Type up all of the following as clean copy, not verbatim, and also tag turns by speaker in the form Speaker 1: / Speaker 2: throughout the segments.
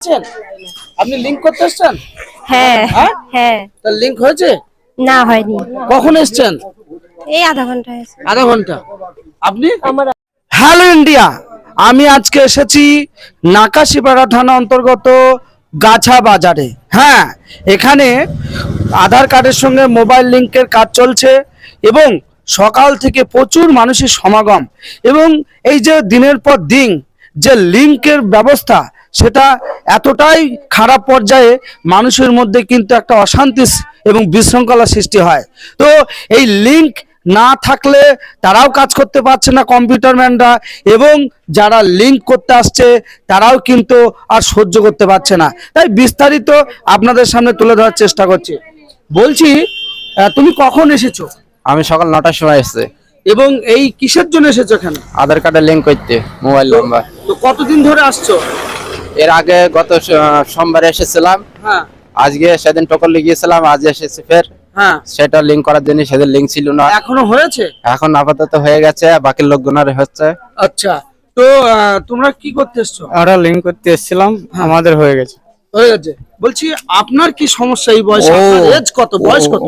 Speaker 1: এসেছেন? আপনি লিংক করতে এসেছেন?
Speaker 2: হ্যাঁ
Speaker 1: হ্যাঁ
Speaker 2: হ্যাঁ
Speaker 1: তার লিংক হয়েছে?
Speaker 2: না হয়নি,
Speaker 1: কখন এসেছেন?
Speaker 2: এই আধা ঘন্টা হয়েছে।
Speaker 1: আধা ঘন্টা। আপনি?
Speaker 2: আমার
Speaker 1: হ্যালো ইন্ডিয়া, আমি আজকে এসেছি নাকাশিপাড়া থানা অন্তর্গত গাছা বাজারে। হ্যাঁ, এখানে আধার কার্ডের সঙ্গে মোবাইল লিংকের কাজ চলছে এবং সকাল থেকে প্রচুর মানুষের সমাগম এবং এই যে দিনের পর দিন যে লিংকের ব্যবস্থা সেটা এতটাই খারাপ পর্যায়ে মানুষের মধ্যে কিন্তু একটা অশান্তি এবং বিশৃঙ্খলা সৃষ্টি হয়। তো এই লিংক না থাকলে তারাও কাজ করতে পারছে না কম্পিউটার ম্যানরা, এবং যারা লিংক করতে আসছে তারাও কিন্তু আর সহ্য করতে পারছে না। তাই বিস্তারিত আপনাদের সামনে তুলে ধরার চেষ্টা করছি। বলছি, তুমি কখন এসেছো?
Speaker 3: আমি সকাল 9টার সময় এসেছি।
Speaker 1: এবং এই কিসের জন্য এসেছো এখানে?
Speaker 3: আধার কার্ডে লিংক করতে মোবাইল নাম্বার।
Speaker 1: তো কতদিন ধরে আসছো?
Speaker 3: এর আগে গত সোমবারে এসেছিলাম,
Speaker 1: হ্যাঁ
Speaker 3: আজকে সেদিন টোকন লিখিয়েছিলাম, আজ এসেছি ফের।
Speaker 1: হ্যাঁ,
Speaker 3: সেটা লিংক করার জন্য সেদিন লিংক ছিল না,
Speaker 1: এখনো হয়েছে?
Speaker 3: এখন আপাতত হয়ে গেছে, বাকি লোকজনের হচ্ছে।
Speaker 1: আচ্ছা, তো তোমরা কি করতে এসছো?
Speaker 4: আমরা লিংক করতে এসেছিলাম, আমাদের হয়ে গেছে।
Speaker 1: হয়ে গেছে। বলছি, আপনার কি সমস্যা এই বয়সে? আপনার এজ কত, বয়স কত?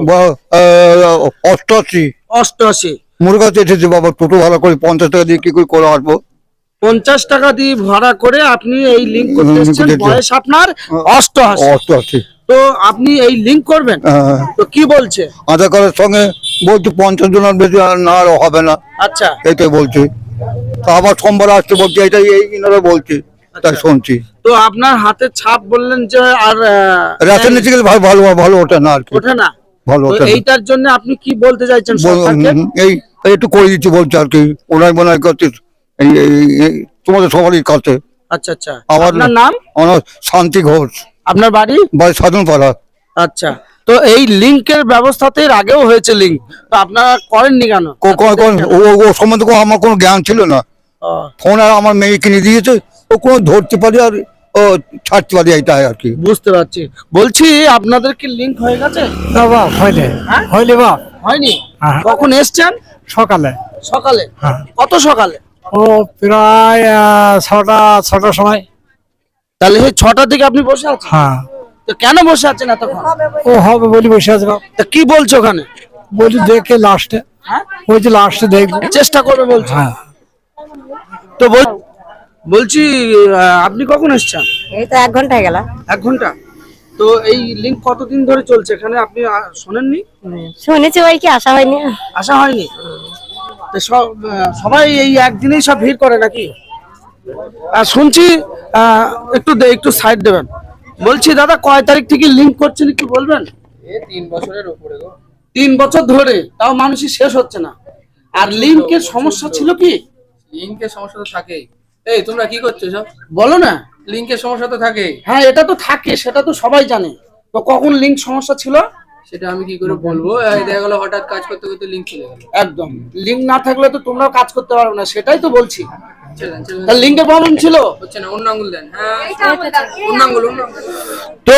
Speaker 5: 88।
Speaker 1: 88।
Speaker 5: মুরগাতে এসেছে বাবা, টোটো ভাড়া করে 50 টাকা দিয়ে কি করে আসবো?
Speaker 1: 50 টাকা দিয়ে ভাড়া করে আপনি এই লিংক করতে এসেছেন, বয়স আপনার 88।
Speaker 5: 88।
Speaker 1: তো আপনি এই লিংক করবেন? তো কি বলছে?
Speaker 5: আধার কার্ডের সঙ্গে বলছে 50 জনের বেশি আর না আর হবে না,
Speaker 1: আচ্ছা
Speaker 5: এটাই বলছে। তা আবার সোমবার আসতে বলছে, এটাই এই ইনারা বলছে, তাই শুনছি।
Speaker 1: তো আপনার হাতের ছাপ বললেন যে আর
Speaker 5: রেশন নিতে গেলে ভালো ভালো ভালো ওঠে না আর কি,
Speaker 1: ওঠে না।
Speaker 5: ভালো
Speaker 1: তো
Speaker 5: ওঠে না।
Speaker 1: এইটার জন্য আপনি কি বলতে চাইছেন সরকারকে?
Speaker 5: এই একটু করে দিচ্ছি বলছে আর কি, ওনাই মনে করছে এই তোমাদের সবারই কাছে।
Speaker 1: আচ্ছা আচ্ছা,
Speaker 5: আমার
Speaker 1: আপনার নাম?
Speaker 5: আমার শান্তি ঘোষ,
Speaker 1: আপনার বাড়ি?
Speaker 5: বাড়ি সাধন পাড়া।
Speaker 1: আচ্ছা, তো এই লিংকের ব্যবস্থাতে এর আগেও হয়েছে লিংক, তো আপনারা করেননি কেন?
Speaker 5: ও সম্বন্ধে আমার কোনো জ্ঞান ছিল না।
Speaker 1: ও,
Speaker 5: ফোন আর আমার মেয়ে কিনে দিয়েছে, ও কোনো ধরতে পারি আর ও ছাড়তে পারি, এইটাই আর কি।
Speaker 1: বুঝতে পারছি। বলছি, আপনাদের কি লিংক হয়ে গেছে?
Speaker 4: না বাপ হয়নি,
Speaker 1: হ্যাঁ?
Speaker 4: হয়নি বাপ।
Speaker 1: হয়নি?
Speaker 4: হ্যাঁ।
Speaker 1: কখন এসছেন?
Speaker 4: সকালে।
Speaker 1: সকালে?
Speaker 4: হ্যাঁ।
Speaker 1: কত সকালে?
Speaker 4: ও প্রায় 6টার সময়।
Speaker 1: তাহলে সেই 6টা থেকে আপনি বসে আছেন?
Speaker 4: হ্যাঁ।
Speaker 1: তো কেন বসে আছেন এতক্ষণ?
Speaker 4: ও হবে বলি বসে আছে বাপ।
Speaker 1: তা কি বলছো ওখানে?
Speaker 4: বলি দেখে লাস্টে,
Speaker 1: হ্যাঁ?
Speaker 4: ওই যে লাস্টে দেখবো।
Speaker 1: চেষ্টা করবে বলছো?
Speaker 4: হ্যাঁ।
Speaker 1: তো বলছি, আপনি কখন এসছেন?
Speaker 2: এই তো 1 ঘন্টা হয়ে গেল।
Speaker 1: 1 ঘন্টা। তো এই লিংক কতদিন ধরে চলছে এখানে, আপনি শোনেননি?
Speaker 2: শুনেছি, ওই কি আসা হয়নি।
Speaker 1: আসা হয়নি? তো সবাই এই একদিনেই সব ভিড় করে নাকি? শুনছি, একটু সাইড দেবেন। বলছি দাদা, কয় তারিখ থেকে লিংক করছেন একটু বলবেন?
Speaker 3: 3 বছরের উপরে গো।
Speaker 1: 3 বছর ধরে, তাও মানুষই শেষ হচ্ছে না। আর লিংকের সমস্যা ছিল কি?
Speaker 3: লিংকের সমস্যা তো থাকেই। এই তোমরা কি করছো সব?
Speaker 1: বলো না।
Speaker 3: লিংকের সমস্যা তো থাকেই।
Speaker 1: হ্যাঁ, এটা তো থাকে, সেটা তো সবাই জানে। তো কখন লিংক সমস্যা ছিল
Speaker 3: সেটা আমি কি করে বলবো? দেখা গেল হঠাৎ কাজ করতে করতে লিংক চলে গেল।
Speaker 1: একদম। লিংক না থাকলে তো তোমরাও কাজ করতে পারবে না, সেটাই তো বলছি।
Speaker 3: চলেন।
Speaker 1: তা লিংকের প্রবলেম ছিল?
Speaker 3: হচ্ছে না, অন্য আঙ্গুল দেন। হ্যাঁ, অন্য আঙ্গুল।
Speaker 1: তো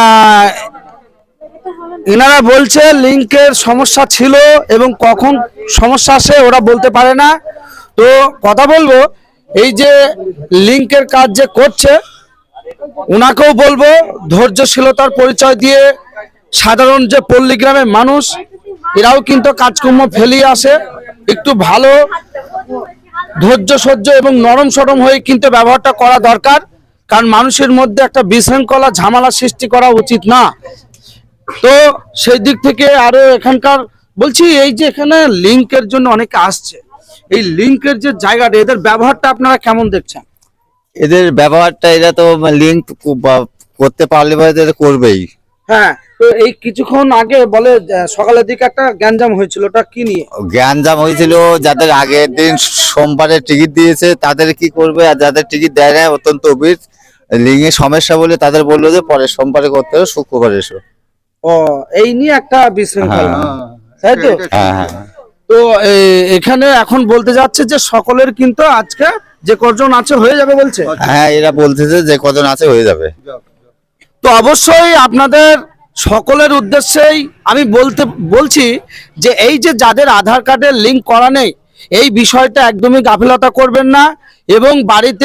Speaker 1: এনারা বলছে লিংকের সমস্যা ছিল এবং কখন সমস্যা আসে ওরা বলতে পারে না। তো কথা বলবো, এই যে লিংকের কাজ যে করছে ওনাকেও বলবো ধৈর্যশীলতার পরিচয় দিয়ে, সাধারণ যে পল্লী গ্রামের মানুষ এরাও কিন্তু কাজকর্ম ফেলিয়ে আসে, একটু ভালো ধৈর্য সহ্য এবং নরম সরম হয়ে কিন্তু ব্যবহারটা করা দরকার, কারণ মানুষের মধ্যে একটা বিশৃঙ্খলা ঝামেলা সৃষ্টি করা উচিত না। তো সেই দিক থেকে আরো এখানকার বলছি, এই যে এখানে লিংকের জন্য অনেকে আসছে, এই লিংকের যে জায়গাটা, এদের ব্যবহারটা আপনারা কেমন দেখছেন?
Speaker 6: এদের ব্যবহারটা, এরা তো লিংক করতে পারলে বা এদের করবেই।
Speaker 1: হ্যাঁ, তো এই কিছুক্ষণ আগে বলে সকালের দিকে একটা গ্যাঞ্জাম হয়েছিল, ওটা কি নিয়ে?
Speaker 6: গ্যাঞ্জাম হয়েছিল, যাদের আগের দিন সোমবারে টিকিট দিয়েছে তাদের কি করবে, আর যাদের টিকিট দেয় না অত্যন্ত অভির লিঙ্কের সমস্যা বলে তাদের বললো যে পরে সোমবারে করতে হবে, শুক্রবারে এসো।
Speaker 1: ও, এই নিয়ে একটা বিশৃঙ্খলা, তাই তো?
Speaker 6: হ্যাঁ।
Speaker 1: তো এখানে এখন বলতে যাচ্ছে যে সকলের কিন্তু আজকে যে কজন আছে হয়ে যাবে বলছে।
Speaker 6: হ্যাঁ, এরা বলতেছে যে কজন আছে হয়ে যাবে।
Speaker 1: তো অবশ্যই আপনাদের সকলের উদ্দেশ্যেই আমি বলছি যে এই যে যাদের আধার কার্ডের লিংক করা নেই, এই বিষয়টা একদমই গাফিলতা করবেন না এবং বাড়িতে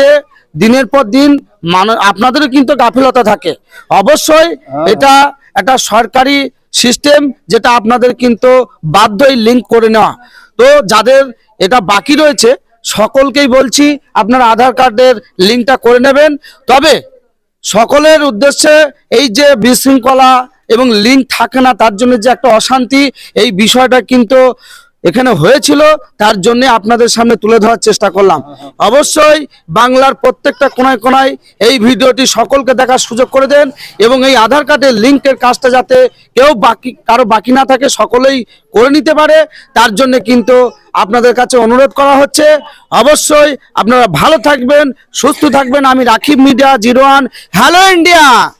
Speaker 1: দিনের পর দিন আপনাদেরও কিন্তু গাফিলতা থাকে। অবশ্যই এটা একটা সরকারি সিস্টেম, যেটা আপনাদের কিন্তু বাধ্যই লিঙ্ক করে নেওয়া। তো যাদের এটা বাকি রয়েছে সকলকেই বলছি আপনারা আধার কার্ডের লিঙ্কটা করে নেবেন। তবে সকলের উদ্দেশ্যে এই যে বিশৃঙ্খলা এবং লিঙ্ক থাকে না, তার জন্য যে একটা অশান্তি, এই বিষয়টা কিন্তু এখানে হয়েছিল, তার জন্য আপনাদের সামনে তুলে ধরার চেষ্টা করলাম। অবশ্যই বাংলার প্রত্যেকটা কোনায় কোনায় এই ভিডিওটি সকলকে দেখার সুযোগ করে দেন, এবং এই আধার কার্ডের লিঙ্কের কাজটা যাতে কারো বাকি না থাকে, সকলেই করে নিতে পারে, তার জন্য কিন্তু আপনাদের কাছে অনুরোধ করা হচ্ছে। অবশ্যই আপনারা ভালো থাকবেন, সুস্থ থাকবেন। আমি রাকিব মিডিয়া 01। Hello India.